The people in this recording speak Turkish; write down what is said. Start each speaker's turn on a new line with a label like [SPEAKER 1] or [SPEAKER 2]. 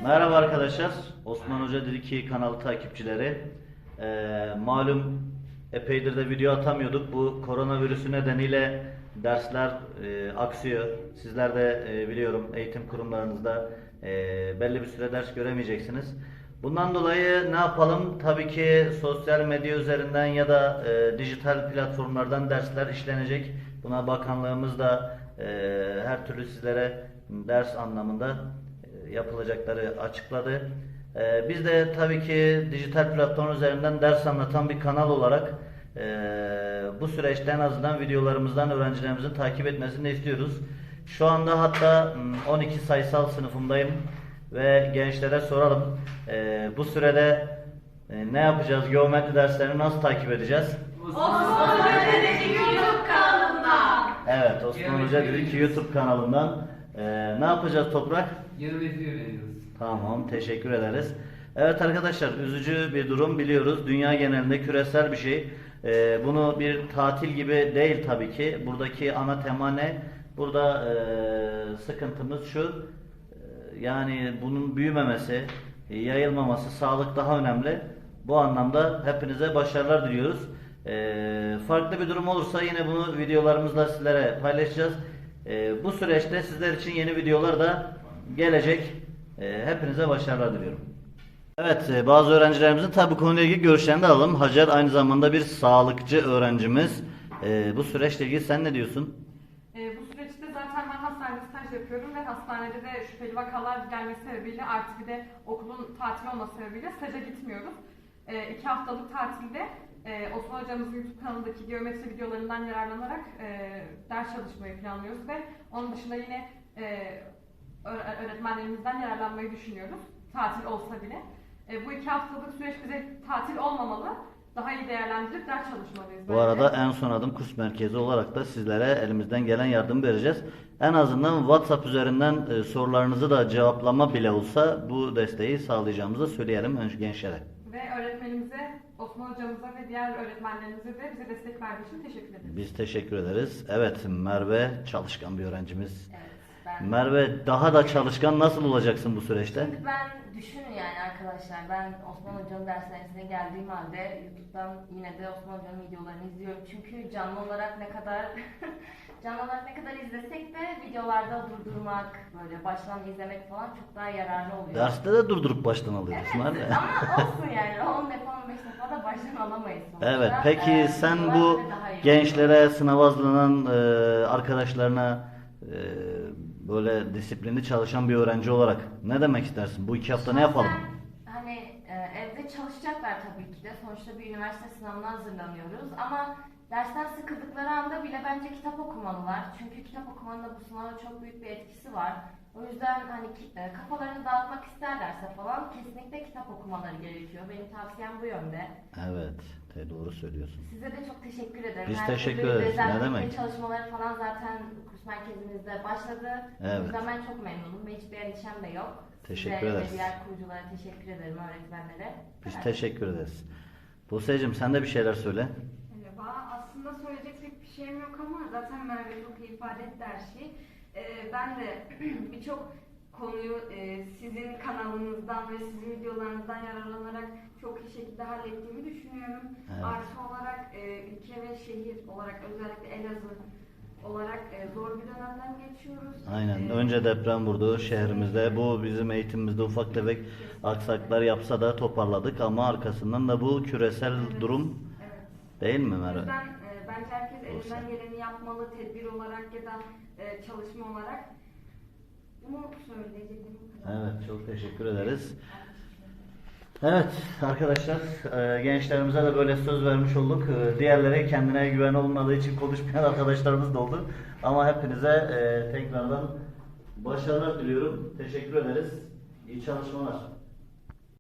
[SPEAKER 1] Merhaba arkadaşlar, Osman Hoca Dil2 kanalı takipçileri. Malum epeydir de video atamıyorduk. Bu koronavirüsü nedeniyle dersler aksıyor. Sizler de biliyorum eğitim kurumlarınızda belli bir süre ders göremeyeceksiniz. Bundan dolayı ne yapalım? Tabii ki sosyal medya üzerinden ya da dijital platformlardan dersler işlenecek. Buna bakanlığımız da her türlü sizlere ders anlamında yapılacakları açıkladı. Biz de tabii ki dijital platform üzerinden ders anlatan bir kanal olarak bu süreçte en azından videolarımızdan öğrencilerimizin takip etmesini istiyoruz. Şu anda hatta 12 sayısal sınıfımdayım ve gençlere soralım. Bu sürede ne yapacağız? Geometri derslerini nasıl takip edeceğiz?
[SPEAKER 2] Osman Hoca Dil2 YouTube kanalından.
[SPEAKER 1] Evet, Osman Hoca Dil2 YouTube kanalından. Ne yapacağız Toprak?
[SPEAKER 3] Geometri öğreniyoruz.
[SPEAKER 1] Tamam, teşekkür ederiz. Evet arkadaşlar, üzücü bir durum biliyoruz. Dünya genelinde küresel bir şey. Bunu bir tatil gibi değil tabii ki. Buradaki ana tema ne? Burada sıkıntımız şu. Yani bunun büyümemesi, yayılmaması, sağlık daha önemli. Bu anlamda hepinize başarılar diliyoruz. Farklı bir durum olursa yine bunu videolarımızda sizlere paylaşacağız. Bu süreçte sizler için yeni videolar da gelecek. Hepinize başarılar diliyorum. Evet, bazı öğrencilerimizin tabi bu konuyla ilgili görüşlerini de alalım. Hacer aynı zamanda bir sağlıkçı öğrencimiz. Bu süreçle ilgili sen ne diyorsun?
[SPEAKER 2] Bu süreçte zaten ben hastanede staj yapıyorum ve hastanede de şüpheli vakalar gelmesi sebebiyle artık bir de okulun tatil olması sebebiyle staja gitmiyoruz. 2 haftalık tatilde Osman Hocamızın YouTube kanalındaki geometri videolarından yararlanarak ders çalışmayı planlıyoruz ve onun dışında yine öğretmenlerimizden yararlanmayı düşünüyoruz. Tatil olsa bile. Bu 2 haftalık süreç bize tatil olmamalı. Daha iyi değerlendirip ders çalışmalıyız.
[SPEAKER 1] Bu arada en son adım kurs merkezi olarak da sizlere elimizden gelen yardım vereceğiz. En azından WhatsApp üzerinden sorularınızı da cevaplama bile olsa bu desteği sağlayacağımızı söyleyelim önce gençlere.
[SPEAKER 2] Ve öğretmenimize, Osman hocamıza ve diğer öğretmenlerimize de bize destek verdiği için teşekkür ederiz.
[SPEAKER 1] Biz teşekkür ederiz. Evet, Merve çalışkan bir öğrencimiz.
[SPEAKER 4] Evet, ben...
[SPEAKER 1] Merve daha da çalışkan nasıl olacaksın bu süreçte?
[SPEAKER 4] Çünkü ben düşünün yani arkadaşlar, ben Osman Hoca'nın dershanesine geldiğim halde YouTube'dan yine de Osman Hoca'nın videolarını izliyorum. Çünkü canlı olarak ne kadar canlı olarak ne kadar izlesek de videolarda durdurmak, böyle baştan izlemek falan çok daha yararlı oluyor.
[SPEAKER 1] Derste de durdurup baştan alıyoruz.
[SPEAKER 4] Evet, ama olsun yani 10 defa 15 defa da baştan alamayız sonuçta.
[SPEAKER 1] Evet, peki sen
[SPEAKER 4] videolar
[SPEAKER 1] bu
[SPEAKER 4] bize daha iyi
[SPEAKER 1] gençlere, sınav hazırlanan arkadaşlarına böyle disiplinli çalışan bir öğrenci olarak ne demek istersin? Bu 2 hafta ne yapalım?
[SPEAKER 4] Hani evde çalışacaklar tabii ki de. Sonuçta bir üniversite sınavına hazırlanıyoruz. Ama dersten sıkıldıkları anda bile bence kitap okumalılar. Çünkü kitap okumanın da bu sınava çok büyük bir etkisi var. O yüzden hani kafalarını dağıtmak isterlerse falan kesinlikle kitap okumaları gerekiyor. Benim tavsiyem bu yönde.
[SPEAKER 1] Evet, doğru söylüyorsun.
[SPEAKER 4] Size de çok teşekkür ederim.
[SPEAKER 1] Biz
[SPEAKER 4] Her
[SPEAKER 1] teşekkür
[SPEAKER 4] türlü
[SPEAKER 1] ederiz. Ne
[SPEAKER 4] dezenfekte
[SPEAKER 1] demek?
[SPEAKER 4] çalışmaları falan zaten kurs merkezimizde başladı.
[SPEAKER 1] Evet.
[SPEAKER 4] O yüzden ben çok memnunum ve hiçbir endişem de yok.
[SPEAKER 1] Teşekkür
[SPEAKER 4] Size
[SPEAKER 1] ederiz.
[SPEAKER 4] ve diğer kuruculara teşekkür ederim, öğretmenlere.
[SPEAKER 1] Biz
[SPEAKER 4] Evet.
[SPEAKER 1] teşekkür ederiz. Buse'cim sen de bir şeyler söyle.
[SPEAKER 5] Merhaba. Aslında söyleyecek pek bir şeyim yok ama zaten Merve çok iyi ifade etti her şeyi. Ben de birçok konuyu sizin kanalınızdan ve sizin videolarınızdan yararlanarak çok iyi şekilde hallettiğimi düşünüyorum.
[SPEAKER 1] Evet.
[SPEAKER 5] Artı olarak ülke ve şehir olarak özellikle Elazığ olarak zor bir dönemden geçiyoruz.
[SPEAKER 1] Aynen. Önce deprem vurdu şehrimizde. Bu bizim eğitimimizde ufak tefek aksaklar yapsa da toparladık ama arkasından da bu küresel durum
[SPEAKER 5] Evet.
[SPEAKER 1] değil mi
[SPEAKER 5] O
[SPEAKER 1] Merve?
[SPEAKER 5] yüzden bence herkes elinden geleni yapmalı, tedbir olarak ya da çalışma olarak. Bunu söyleyecektim.
[SPEAKER 1] Evet, çok teşekkür ederiz. Evet arkadaşlar, gençlerimize de böyle söz vermiş olduk. Diğerleri kendine güven olmadığı için konuşmayan arkadaşlarımız da oldu. Ama hepinize tekrardan başarılar diliyorum. Teşekkür ederiz. İyi çalışmalar.